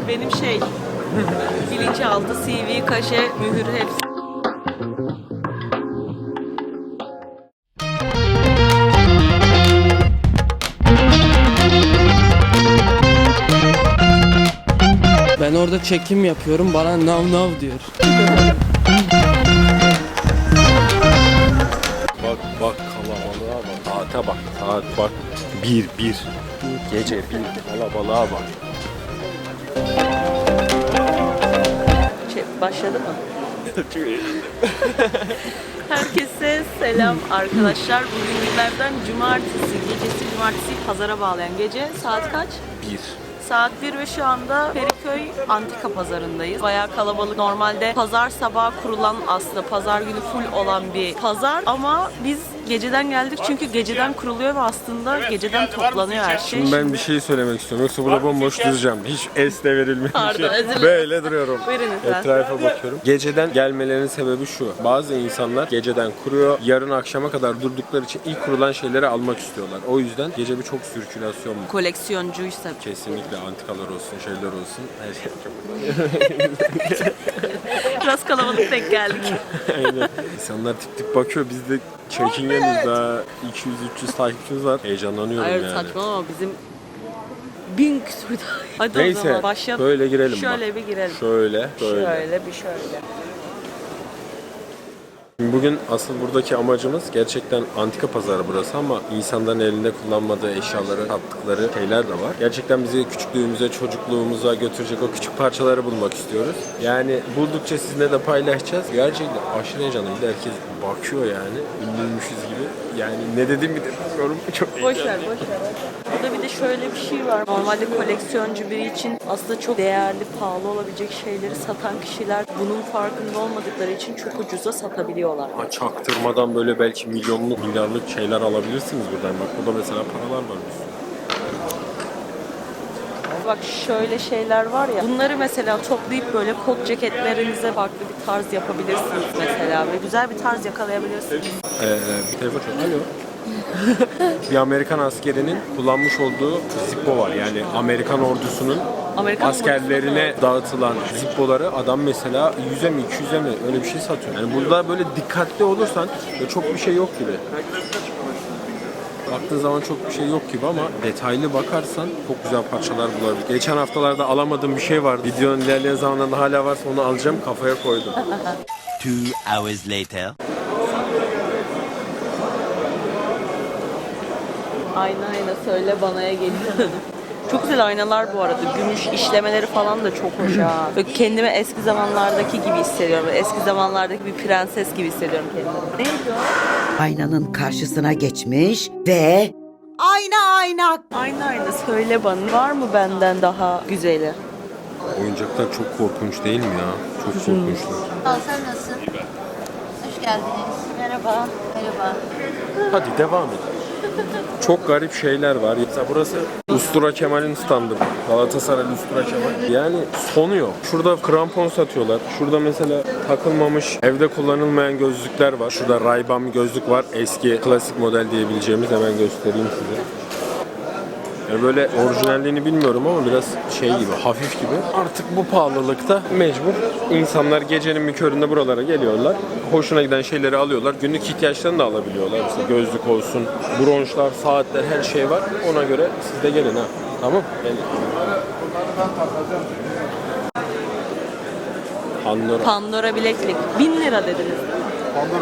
benim şey, bilinçaltı, CV, kaşe, mühür hepsi. Ben orada çekim yapıyorum, bana nav nav diyor. Bak kalabalığa bak. Saate bak. Saat bak. Bir. Gece bir. Kalabalığa bak. Başladı mı? Herkese selam arkadaşlar. Bugün günlerden cumartesi gecesi, cumartesi pazara bağlayan gece. Saat kaç? 1. Saat 1 ve şu anda Feriköy Antika Pazarı'ndayız. Bayağı kalabalık. Normalde pazar sabahı kurulan, aslında pazar günü full olan bir pazar. Ama biz geceden geldik çünkü geceden kuruluyor ve aslında geceden toplanıyor her şey. Şimdi ben bir şey söylemek istiyorum. Yoksa burada bomboş duracağım. Hiç es de verilmemiş. Pardon, özür dilerim. Böyle duruyorum. Buyurun lütfen. Etrafa bakıyorum. Geceden gelmelerinin sebebi şu. Bazı insanlar geceden kuruyor. Yarın akşama kadar durdukları için ilk kurulan şeyleri almak istiyorlar. O yüzden gece bir çok sirkülasyon var. Koleksiyoncuysa. Kesinlikle antikalar olsun, şeyler olsun. Her şey çok. Biraz kalabalık denk geldik. Aynen. İnsanlar tip tip bakıyor. Biz de çekingeniz, daha 200-300 takipçimiz var. Heyecanlanıyorum Hayır yani. saçmalama, bizim 1000 küsur. Hadi o Neyse, zaman başlayalım. böyle girelim Şöyle bak. bir girelim. Şöyle. Şöyle bir şöyle. Bugün asıl buradaki amacımız gerçekten antika pazarı burası ama insanların elinde kullanmadığı eşyaları sattıkları şeyler de var. Gerçekten bizi küçüklüğümüze, çocukluğumuza götürecek o küçük parçaları bulmak istiyoruz. Yani buldukça sizinle de paylaşacağız. Gerçekten aşırı heyecanlı. Bir de herkes bakıyor yani. Ünlüymüşüz gibi. Yani ne dediğimi de bilmiyorum. Çok Boş ver. Burada bir de şöyle bir şey var. Normalde koleksiyoncu biri için aslında çok değerli, pahalı olabilecek şeyleri satan kişiler bunun farkında olmadıkları için çok ucuza satabiliyorlar. Çaktırmadan böyle belki milyonluk, milyarlık şeyler alabilirsiniz buradan. Bak burada mesela paralar var. Bak şöyle şeyler var ya. Bunları mesela toplayıp böyle kot ceketlerinize farklı bir tarz yapabilirsiniz mesela. Ve güzel bir tarz yakalayabilirsiniz. Bir telefon çok. Alo. Bir Amerikan askerinin kullanmış olduğu Zippo var. Yani Amerikan ordusunun askerlerine dağıtılan Zippo'ları adam mesela 100'e mi 200'e mi öyle bir şey satıyor. Yani burada böyle dikkatli olursan çok bir şey yok gibi. Baktığın zaman çok bir şey yok gibi ama detaylı bakarsan çok güzel parçalar bulabilirsin. Geçen haftalarda alamadığım bir şey vardı. Videonun ilerleyen zamanlarında hala varsa onu alacağım, kafaya koydum. 2 hours later. Ayna söyle banaya geliyorum. Çok güzel aynalar bu arada. Gümüş işlemeleri falan da çok hoş ha. Böyle kendimi eski zamanlardaki gibi hissediyorum. Eski zamanlardaki bir prenses gibi hissediyorum kendimi. Neydi o? Aynanın karşısına geçmiş ve ayna. Ayna söyle bana. Var mı benden daha güzeli? Oyuncaklar çok korkunç değil mi ya? Çok korkunçlar. Sen nasılsın? Hoş geldiniz. Merhaba. Merhaba. Hadi devam edelim. Çok garip şeyler var. Mesela burası Ustura Kemal'in standı. Galatasaray Ustura Kemal. Yani sonu yok. Şurada krampon satıyorlar. Şurada mesela takılmamış, evde kullanılmayan gözlükler var. Şurada Ray-Ban gözlük var. Eski klasik model diyebileceğimiz, hemen göstereyim size. Yani böyle orijinalliğini bilmiyorum ama biraz şey gibi, hafif gibi. Artık bu pahalılıkta mecbur insanlar gecenin bir köründe buralara geliyorlar. Hoşuna giden şeyleri alıyorlar. Günlük ihtiyaçlarını da alabiliyorlar. Mesela gözlük olsun, bronşlar, saatler, her şey var. Ona göre siz de gelin ha. Tamam? Gelin. Pandora bileklik. 1000 lira dediniz değil mi? Pandora.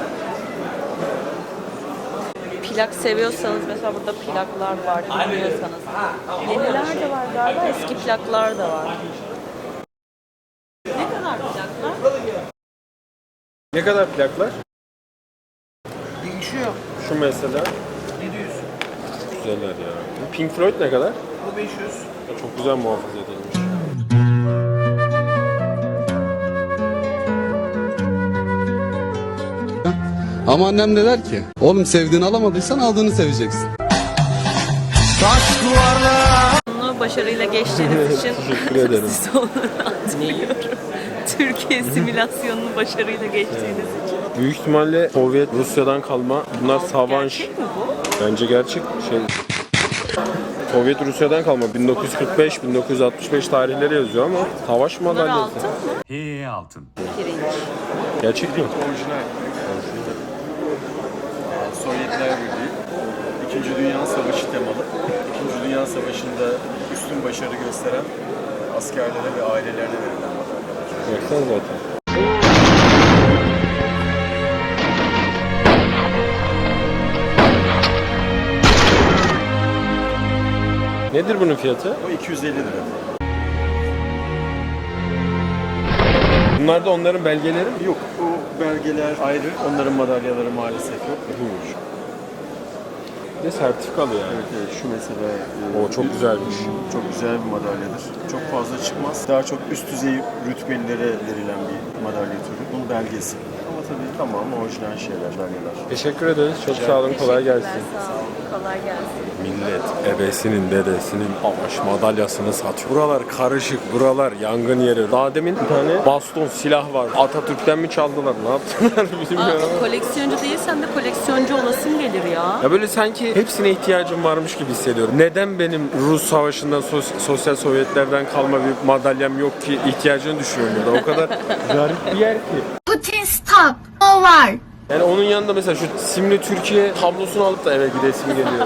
Plak seviyorsanız mesela burada plaklar var, dinliyorsanız. Yeniler de var galiba, eski plaklar da var. Ne kadar plaklar? Ne kadar plaklar? Değişiyor. Şu mesela. 700. Güzeller ya. Pink Floyd ne kadar? O 500. Çok güzel muhafaza edilmiş. Ama annem de der ki, oğlum sevdiğini alamadıysan aldığını seveceksin. Bunu başarıyla geçtiğiniz için Teşekkür ederim. size onları atmıyorum. Türkiye simülasyonunu başarıyla geçtiğiniz için. Büyük ihtimalle Sovyet Rusya'dan kalma. Bunlar Savanş. Gerçek mi bu? Bence gerçek şey. Sovyet Rusya'dan kalma 1945-1965 tarihleri yazıyor ama savaş Bunlar madalyası. altın mı? altın. Pirinç. Gerçek mi? Orijinal. Sovyetler Birliği. İkinci Dünya Savaşı temalı. İkinci Dünya Savaşı'nda üstün başarı gösteren askerlere ve ailelerine verilen madalyalar. Baksana zaten. Nedir bunun fiyatı? O 250 lira. Bunlar da onların belgeleri mi? Yok, o belgeler ayrı. Onların madalyaları maalesef yok. Bir de sertifikalı yani. Evet, şu mesela O çok güzelmiş. çok güzel bir madalyadır. Çok fazla çıkmaz. Daha çok üst düzey rütbelilere verilen bir madalya türü. Bunun belgesi. Ama tabii tamamı orijinal şeyler, madalyalar. Teşekkür ederiz. Çok sağ olun. Kolay gelsin. Sağ olun. Kolay gelsin. Millet ebesinin dedesinin savaş madalyasını satıyor. Buralar karışık, buralar yangın yeri. Daha demin bir tane baston, silah var. Atatürk'ten mi çaldılar, ne yaptılar bilmiyorum ama. Koleksiyoncu değilsen de koleksiyoncu olasın gelir ya. Ya böyle sanki hepsine ihtiyacım varmış gibi hissediyorum. Neden benim Rus savaşından, sosyal Sovyetlerden kalma bir madalyam yok ki ihtiyacını düşünüyorum ya da o kadar garip bir yer ki. Putin stop. O var. Yani onun yanında mesela şu simli Türkiye tablosunu alıp da eve gidesim geliyor.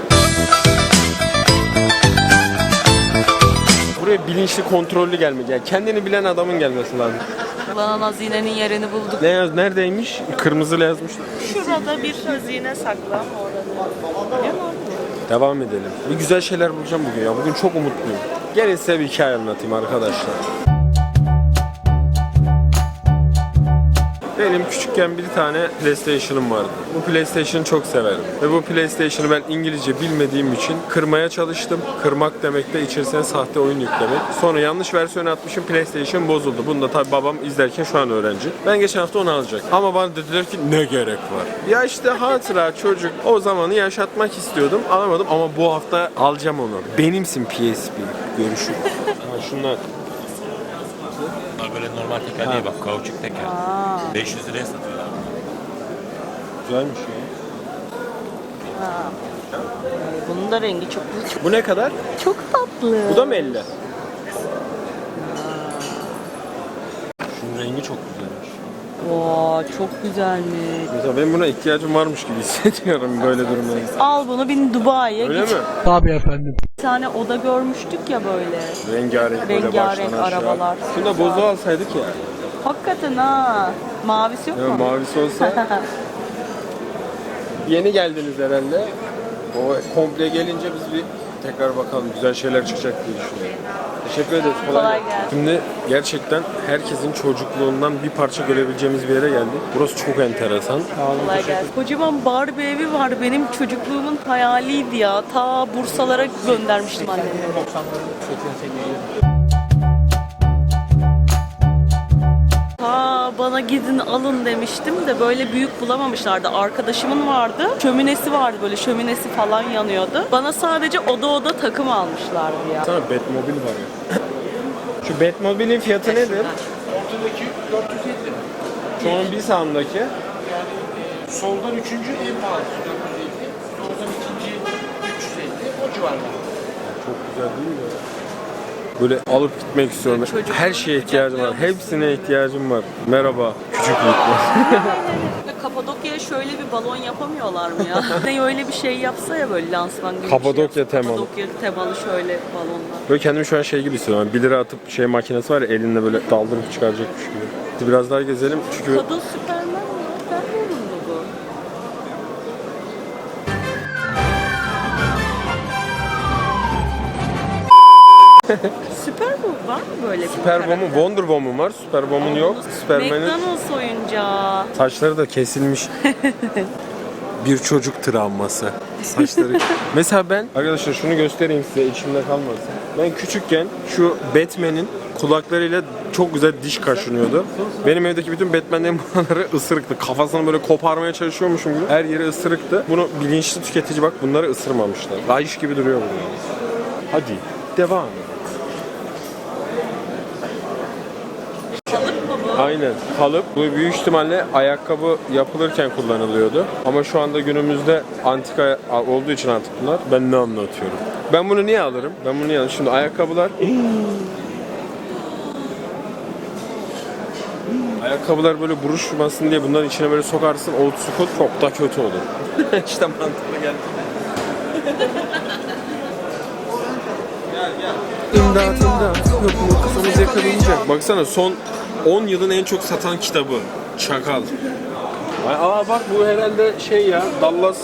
Buraya bilinçli, kontrollü gelmek. Yani kendini bilen adamın gelmesi lazım. Ulan hazinenin yerini bulduk. Neredeymiş? Kırmızıyla yazmışlar. Şurada bir hazine saklı orada. Ne var? Devam edelim. Bir güzel şeyler bulacağım bugün ya. Bugün çok umutluyum. Gelin size bir hikaye anlatayım arkadaşlar. Benim küçükken bir tane PlayStation'ım vardı. Bu PlayStation'ı çok severim. Ve bu PlayStation'ı ben İngilizce bilmediğim için kırmaya çalıştım. Kırmak demek de içerisine sahte oyun yüklemek. Sonra yanlış versiyon atmışım, PlayStation bozuldu. Bunu da tabii babam izlerken şu an öğrenci. Ben geçen hafta onu alacak. Ama bana dediler ki ne gerek var? Ya işte hatıra çocuk. O zamanı yaşatmak istiyordum. Alamadım ama bu hafta alacağım onu. Benimsin PSP. Görüşürüz. Ha, şunlar. Bunlar böyle normal teker değil bak, kauçuk teker. 500 liraya satıyorlar. Güzelmiş ya. Bunun da rengi çok güzel. Bu ne kadar? Çok tatlı. Bu da mı 50? Şunun rengi çok güzelmiş. Çok güzelmiş. Mesela ben buna ihtiyacım varmış gibi hissediyorum böyle durumda. Al bunu bin Dubai'ye Öyle git. mi? Bir tane oda görmüştük ya böyle. Rengarenk böyle Rengarenk baştan aşağı. arabalar. Şunu da bozu alsaydık ya. Hakikaten ha. Mavisi yok Ya mu? mavisi olsa. Yeni geldiniz herhalde. O komple gelince biz bir tekrar bakalım güzel şeyler çıkacak diye düşünüyorum. Teşekkür ederiz. Kolay gelsin. Şimdi gerçekten herkesin çocukluğundan bir parça görebileceğimiz bir yere geldik. Burası çok enteresan. Kolay gelsin. Kocaman Barbie evi var. Benim çocukluğumun hayaliydi ya. Ta Bursalara göndermiştim annemi. Bana gidin alın demiştim de böyle büyük bulamamışlardı. Arkadaşımın vardı. Şöminesi vardı, böyle şöminesi falan yanıyordu. Bana sadece oda takım almışlardı ya. Sana Batmobile var ya. Şu Batmobile'in fiyatı nedir? Ortadaki 450. Şu an bir sağımdaki. Soldan üçüncü en pahalısı 450. Soldan ikinci 350. O civarlar. Çok güzel değil mi? Böyle alıp gitmek istiyorum. Çocuk Her şeye ihtiyacım var. oyuncaklar. Hepsine ihtiyacım var. Merhaba. Küçüklükler. Kapadokya'ya şöyle bir balon yapamıyorlar mı ya? Ne öyle bir şey yapsa ya böyle lansman gibi Kapadokya bir şey. temalı. Kapadokya temalı şöyle balonlar. Böyle kendimi şu an şey gibi hissediyorum. 1 lira atıp şey makinesi var ya elinle böyle daldırıp çıkaracakmış gibi. Biraz daha gezelim çünkü Kadın Süpermen mi? Ben de yorumlu bu. Süper bu var mı böyle bir Süper karakter? Woman, Wonder Woman var. Süper Woman yok. Superman'in McDonald's oyuncağı. saçları da kesilmiş. Bir çocuk travması. Saçları. Mesela ben arkadaşlar şunu göstereyim size içimde kalmasın. Ben küçükken şu Batman'in kulaklarıyla çok güzel diş kaşınıyordu. Benim evdeki bütün Batman'lerin buraları ısırıktı. Kafasını böyle koparmaya çalışıyormuşum gibi. Her yeri ısırıktı. Bunu bilinçli tüketici bak bunları ısırmamışlar. Rayiş gibi duruyor bunlar. Hadi devam. Kalıp mı bu? Aynen. Kalıp. Bu büyük ihtimalle ayakkabı yapılırken kullanılıyordu. Ama şu anda günümüzde antika olduğu için artık bunlar. Ben ne anlatıyorum? Ben bunu niye alırım? Ben bunu niye alırım? Şimdi ayakkabılar... Ayakkabılar böyle buruşmasın diye bunların içine böyle sokarsın, old school çok da kötü olur. İşte mantıklı geldi. İmdat imdat. Yok mu kafamız yakalayacak. Baksana son 10 yılın en çok satan kitabı. Çakal. Aa bak bu herhalde şey ya Dallas.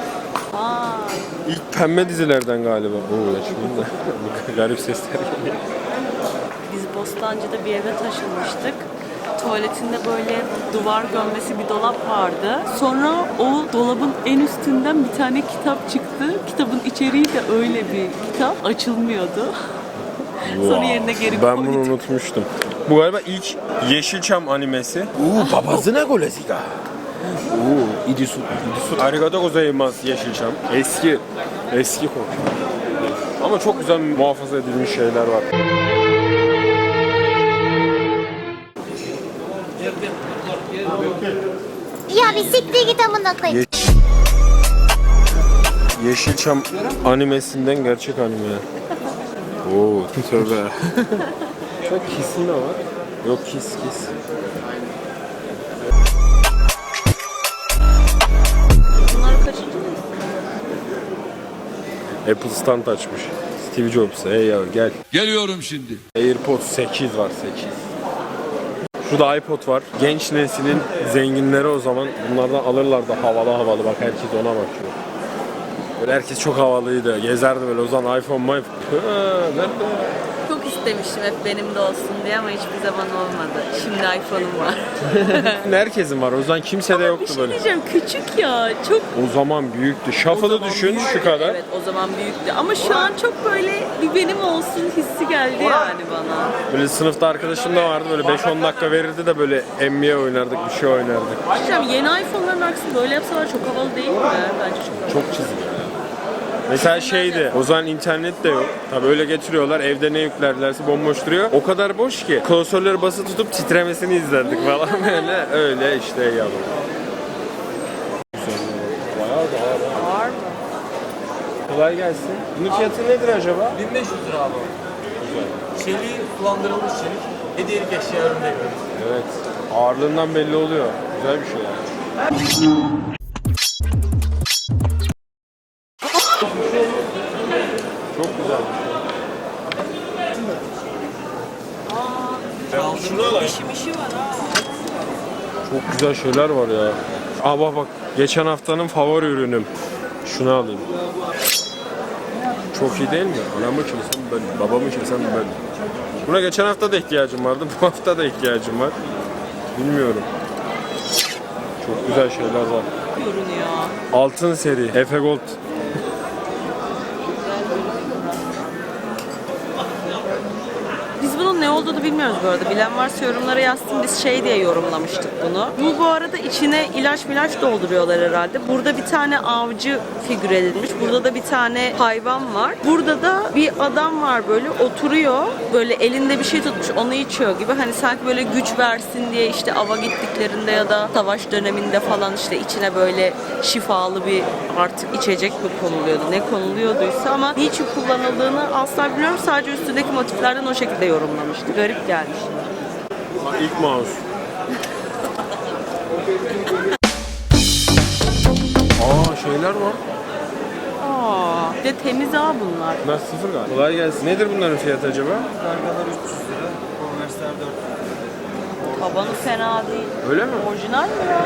İlk pembe dizilerden galiba. Oo şimdi de garip sesler geliyor. Biz Bostancı'da bir eve taşınmıştık. Tuvaletinde böyle duvar gömmesi bir dolap vardı. Sonra o dolabın en üstünden bir tane kitap çıktı. Kitabın içeriği de öyle bir kitap. Açılmıyordu. Sonra yerine geri Ben koyduk. bunu unutmuştum. Bu galiba ilk Yeşilçam animesi. Babasına golesika. İdisu. Arigato gozaimasu Yeşilçam. Eski korku. Ama çok güzel muhafaza edilmiş şeyler var. Ya bir siktir git amına koyayım. Yeşilçam animesinden gerçek anime. Oo, tövbe. Bak Kiss'in de var. Yok Kiss. Bunlar kaçıncı mı? Apple stand açmış. Steve Jobs. Hey ya gel. Geliyorum şimdi. AirPods 8 var 8. Şurada iPod var. Genç neslin zenginleri o zaman bunlardan alırlardı havalı. Bak herkes ona bakıyor. Böyle herkes çok havalıydı. Gezerdi böyle o zaman iPhone nerede? Çok istemiştim hep benim de olsun diye ama hiçbir zaman olmadı. Şimdi iPhone'um var. Herkesin var. O zaman kimse de Bir yoktu şey böyle. diyeceğim, küçük ya. Çok O zaman büyüktü. o Shuffle'ı zaman düşün büyüktü. şu kadar. Evet, o zaman büyüktü. Ama şu an çok böyle bir benim olsun hissi geldi yani bana. Böyle sınıfta arkadaşım da vardı. Böyle 5-10 dakika verirdi de böyle NBA oynardık, bir şey oynardık. Diyeceğim, yeni iPhone'ların aksine böyle yapsalar çok havalı değil mi? Bence çok havalı. Çok çizgi. Mesela şeydi, o zaman internet de yok. Tabii öyle getiriyorlar, evde ne yüklerlerse bomboş duruyor. O kadar boş ki klasörleri basılı tutup titremesini izlerdik falan böyle. Öyle işte yavrum. Bayağı da ağır. Var mı? Kolay gelsin. Bunun fiyatı nedir acaba? 1500 lira abi. Çeliği kullandırılmış çelik. Hediyelik eşya üründe yapıyoruz. Evet. Ağırlığından belli oluyor. Güzel bir şey yani. Çok güzel. İşi var ha. Çok güzel şeyler var ya. Aa bak geçen haftanın favori ürünüm. Şunu alayım. Çok iyi değil mi? Anamı kimsem ben, babamı kimsem ben. Buna geçen hafta da ihtiyacım vardı, bu hafta da ihtiyacım var. Bilmiyorum. Çok güzel şeyler var. Görünüyor. Altın seri, Efe Gold. Biz bunun ne olduğunu bilmiyoruz bu arada. Bilen varsa yorumlara yazsın. Biz şey diye yorumlamıştık bunu. Bu arada içine ilaç dolduruyorlar herhalde. Burada bir tane avcı figür edilmiş. Burada da bir tane hayvan var. Burada da bir adam var böyle oturuyor. Böyle elinde bir şey tutmuş. Onu içiyor gibi. Hani sanki böyle güç versin diye işte ava gittiklerinde ya da savaş döneminde falan işte içine böyle şifalı bir artık içecek mi konuluyordu? Ne konuluyorduysa ama niçin kullanıldığını asla bilmiyorum. Sadece üstündeki motiflerden o şekilde yorumlamıştı. Garip gelmiş. Bak ilk mouse. Aa şeyler var. Aa, bir de temiz ha bunlar. Bunlar sıfır galiba. Kolay gelsin. Nedir bunların fiyatı acaba? Kargalar 300 lira. Konversler 400 lira. Tabanı fena değil. Öyle mi? Orijinal mi ya?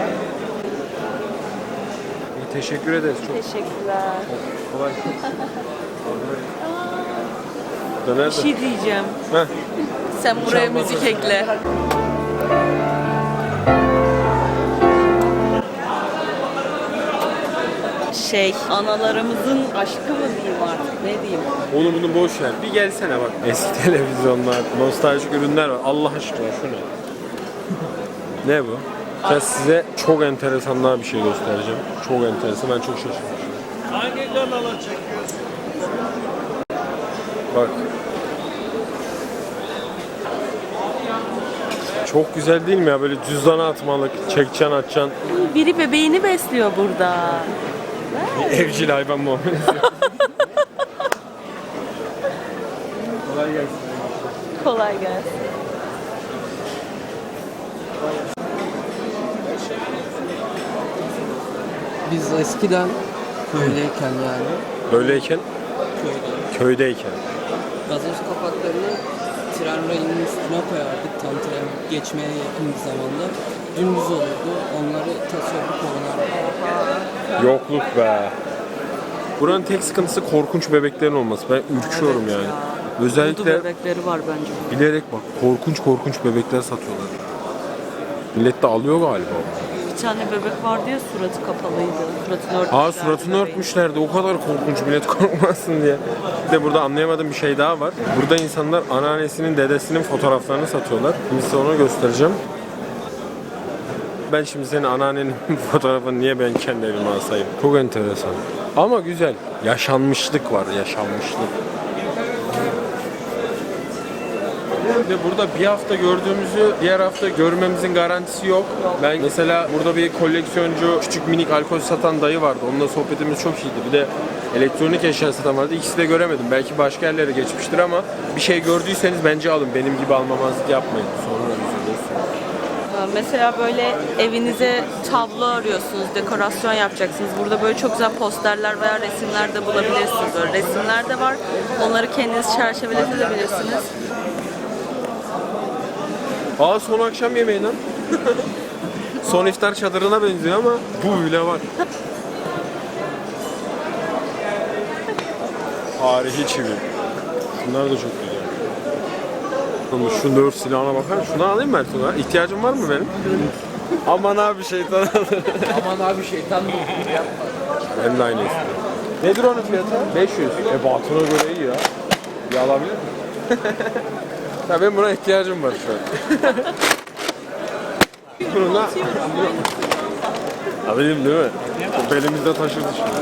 İyi, teşekkür ederiz. Çok Teşekkürler. kolay. Bu da nerede? Bir şey diyeceğim. Heh. Sen buraya müzik ekle. Analarımızın aşkı mı diyeyim artık, ne diyeyim? Onu bunu boş ver. Bir gelsene bak. Eski televizyonlar, nostaljik ürünler var. Allah aşkına şu ne? Ne bu? Ben size çok enteresan daha bir şey göstereceğim. Çok enteresan. Ben çok şaşırmışım. Hangi kanala çekiyorsun? Bak. Çok güzel değil mi ya? Böyle cüzdana atmalık, çekeceksin atacaksın. Biri bebeğini besliyor burada. Evcil hayvan muamelesi. Kolay gelsin. Kolay gelsin. Biz eskiden köydeyken yani Böyleyken, köyde köydeyken. gazoz kapaklarını tren rayının üstüne koyardık tam tren geçmeye yakın bir zamanda. Dümdüz olurdu. Onları tasarruf oynardık. Yokluk be. Buranın tek sıkıntısı korkunç bebeklerin olması. Ben ürküyorum yani. Dudu Özellikle bebekleri var bence. bilerek bak korkunç bebekler satıyorlar. Millet de alıyor galiba. Bir tane bebek vardı ya suratı kapalıydı. Suratını örtmüşlerdi. Aa suratını bebeğin. örtmüşlerdi. O kadar korkunç millet korkmasın diye. Bir de burada anlayamadığım bir şey daha var. Burada insanlar anneannesinin, dedesinin fotoğraflarını satıyorlar. Şimdi size onu göstereceğim. Ben şimdi senin anneannenin fotoğrafını niye ben kendi elime asayım? Çok enteresan. Ama güzel. Yaşanmışlık var, yaşanmışlık. Ve burada bir hafta gördüğümüzü diğer hafta görmemizin garantisi yok. Ben mesela burada bir koleksiyoncu küçük minik alkol satan dayı vardı. Onunla sohbetimiz çok iyiydi. Bir de elektronik eşya satan vardı. İkisi de göremedim. Belki başka yerlere geçmiştir ama bir şey gördüyseniz bence alın. Benim gibi almamazlık yapmayın. Sonra üzülürsünüz. Mesela böyle evinize tablo arıyorsunuz, dekorasyon yapacaksınız. Burada böyle çok güzel posterler veya resimler de bulabilirsiniz. Böyle resimler de var. Onları kendiniz çerçeveletebilirsiniz. Aa son akşam yemeği lan. Son iftar çadırına benziyor ama bu bile var. Tarihi çivi. Şunlar da çok güzel. Şu dört silahına bakar mısın? Şunu alayım mı Ertuğrul? İhtiyacın var mı benim? Aman abi şeytan alır. Aman abi şeytan mı? Ben de aynı istiyorum. Nedir onun fiyatı? 500. Batına göre iyi ya. Bir alabilir miyim? Ya benim buna ihtiyacım var şu an. Bununla... Alayım değil mi? O belimizde taşırdı şimdi.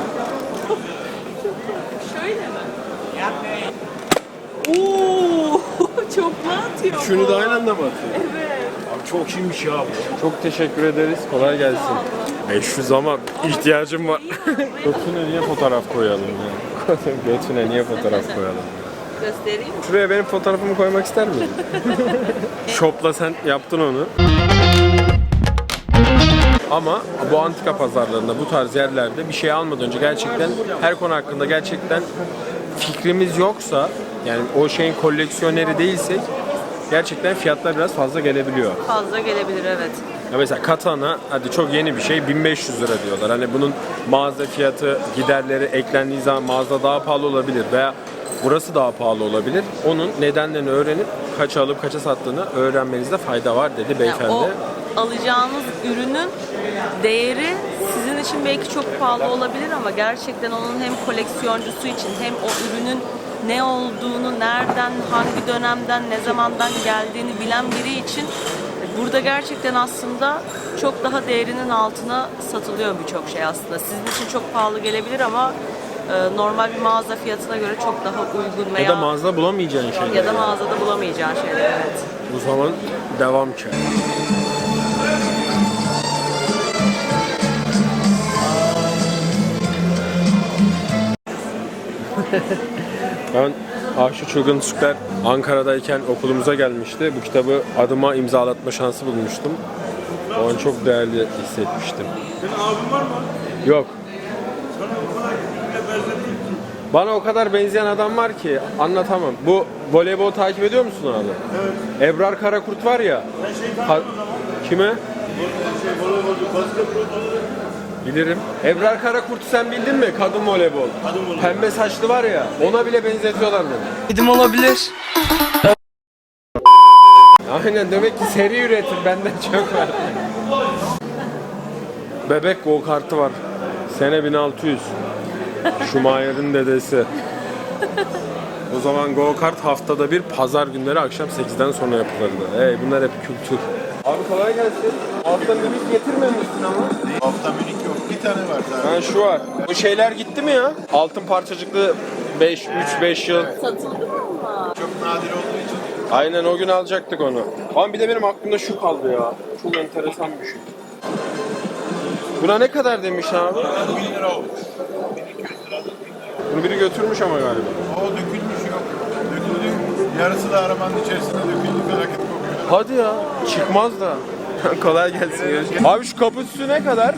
Şöyle mi? Oo, çok mu atıyor? Şunu da aynı anda mı atıyor? Evet. Abi çok iyiymiş ya bu. Çok teşekkür ederiz. Kolay gelsin. 500 ama ihtiyacım var. Götüne niye fotoğraf koyalım ya? Götüne niye fotoğraf koyalım? Göstereyim mi? Şuraya benim fotoğrafımı koymak ister misin? Shop'la sen yaptın onu. Ama bu antika pazarlarında, bu tarz yerlerde bir şey almadan önce gerçekten her konu hakkında gerçekten fikrimiz yoksa, yani o şeyin koleksiyoneri değilsek gerçekten fiyatlar biraz fazla gelebiliyor. Fazla gelebilir evet. Ya mesela katana, hadi çok yeni bir şey, 1500 lira diyorlar. Hani bunun mağaza fiyatı, giderleri eklendiği zaman mağaza daha pahalı olabilir veya burası daha pahalı olabilir. Onun nedenlerini öğrenip kaça alıp kaça sattığını öğrenmenizde fayda var dedi beyefendi. Yani o alacağınız ürünün değeri sizin için belki çok pahalı olabilir ama gerçekten onun hem koleksiyoncusu için hem o ürünün ne olduğunu, nereden, hangi dönemden, ne zamandan geldiğini bilen biri için burada gerçekten aslında çok daha değerinin altına satılıyor birçok şey aslında. Sizin için çok pahalı gelebilir ama normal bir mağaza fiyatına göre çok daha uygun veya Ya da mağazada bulamayacağın şeyler. ya da mağazada bulamayacağın şeyler evet. Bu zaman devam ki. Ben Aşık Çılgın Türkler Ankara'dayken okulumuza gelmişti. Bu kitabı adıma imzalatma şansı bulmuştum. O an çok değerli hissetmiştim. Senin abin var mı? Yok. Sana o kadar birbirine benzettim ki. Bana o kadar benzeyen adam var ki anlatamam. Bu voleybol takip ediyor musun abi? Evet. Ebrar Karakurt var ya. Ben şey tanıdım o zaman. Kime? Voleybolcu, basketbolcu. Bilirim. Ebrar Karakurt'u sen bildin mi? Kadın voleybol. Kadın voleybol. Pembe saçlı var ya. Ona bile benzetiyorlar beni. Dedim olabilir. Aynen, demek ki seri üretim benden çok var. Bebek go kartı var. Sene 1600. Schumacher'in dedesi. O zaman go kart haftada bir pazar günleri akşam 8'den sonra yapılırdı. Bunlar hep kültür. Abi kolay gelsin. Hafta müzik getirmemişsin ama. Hafta minik yok. Bir tane var zaten. Ha şu var. Bu şeyler gitti mi ya? Altın parçacıklı 3-5 yıl. Satıldı mı ama? Çok nadir olduğu için. Aynen o gün alacaktık onu. Ama bir de benim aklımda şu kaldı ya. Çok enteresan bir şey. Buna ne kadar demiş abi? 1000 lira olmuş. Bunu biri götürmüş ama galiba. O dökülmüş yok. Döküldü. Yarısı da arabanın içerisinde döküldü. Felaket kokuyor. Hadi ya. Çıkmaz da. Kolay gelsin. Görüşürüz. Abi şu kapı süsü ne kadar?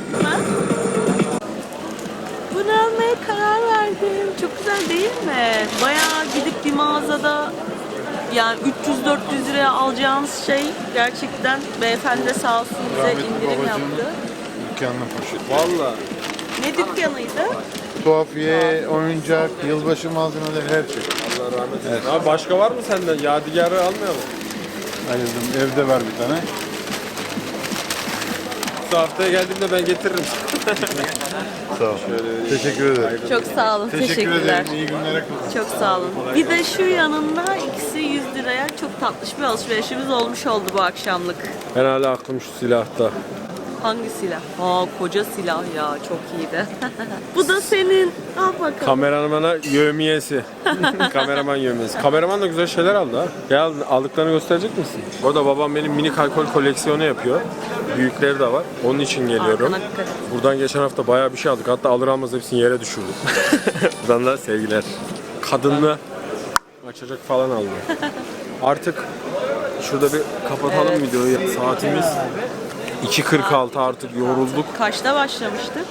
Bunu almaya karar verdim. Çok güzel değil mi? Bayağı gidip bir mağazada yani 300-400 liraya alacağınız şey gerçekten beyefendi de sağ olsun bize indirim yaptı. Dükkanın poşeti. Valla. Ne dükkanıydı? Tuhafiye, oyuncak, yılbaşı malzemeleri her şey. Allah rahmet eylesin. Abi başka var mı senden? Yadigarı almayalım. Ayırdım. Evde var bir tane. Bu haftaya geldiğimde ben getiririm. Sağ ol. Teşekkür ederim. Çok sağ olun. Teşekkür Teşekkürler. ederim. İyi günler. Çok sağ olun. Bir de şu yanında ikisi 100 liraya çok tatlış bir alışverişimiz olmuş oldu bu akşamlık. Ben hala aklım şu silahta. Hangi silah? Aa koca silah ya çok iyiydi. Bu da senin. Al bakalım. Kameramana yövmiyesi. Kameraman yövmiyesi. Kameraman da güzel şeyler aldı ha. Ya aldıklarını gösterecek misin? Orada babam benim minik alkol koleksiyonu yapıyor. Büyükleri de var. Onun için geliyorum. Arkana dikkat et. Buradan geçen hafta bayağı bir şey aldık. Hatta alır almaz hepsini yere düşürdük. Buradan da sevgiler. Kadınlı açacak falan aldım. Artık şurada bir kapatalım videoyu. Saatimiz 2.46 artık yorulduk. Kaçta başlamıştık?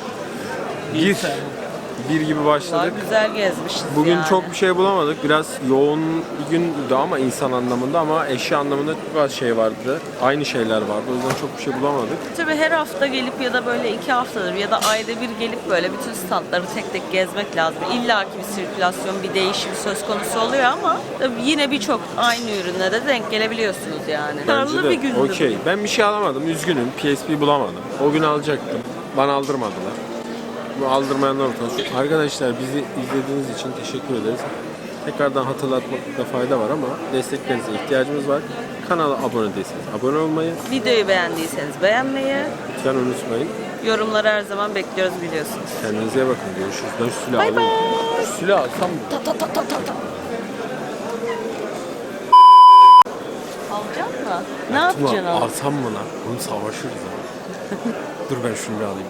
Bir gibi başladık. Güzel gezmişiz Bugün yani. çok bir şey bulamadık. Biraz yoğun bir gündü ama insan anlamında ama eşya anlamında çok az şey vardı. Aynı şeyler vardı. O yüzden çok bir şey bulamadık. Tabii her hafta gelip ya da böyle 2 haftadır ya da ayda bir gelip böyle bütün standları tek tek gezmek lazım. İlla ki bir sirkülasyon, bir değişim söz konusu oluyor ama tabii yine birçok aynı ürüne de denk gelebiliyorsunuz yani. Karlı bir gündü. Okey. Ben bir şey alamadım. Üzgünüm. PSP bulamadım. O gün alacaktım. Bana aldırmadılar. Bu aldırmayanlar ortası. Arkadaşlar bizi izlediğiniz için teşekkür ederiz. Tekrardan hatırlatmakta fayda var ama desteklerinize ihtiyacımız var. Kanala abone değilseniz abone olmayı, Videoyu beğendiyseniz beğenmeyi, lütfen unutmayın. yorumları her zaman bekliyoruz biliyorsunuz. Kendinize iyi bakın. Görüşürüz. Ben şu silahı Bay alayım. bay. Şu silahı alsam mı? Alacak mı? Ne yapacaksın abi? Alsam mı lan? Bunu savaşırız ha. Dur ben şunu bir alayım.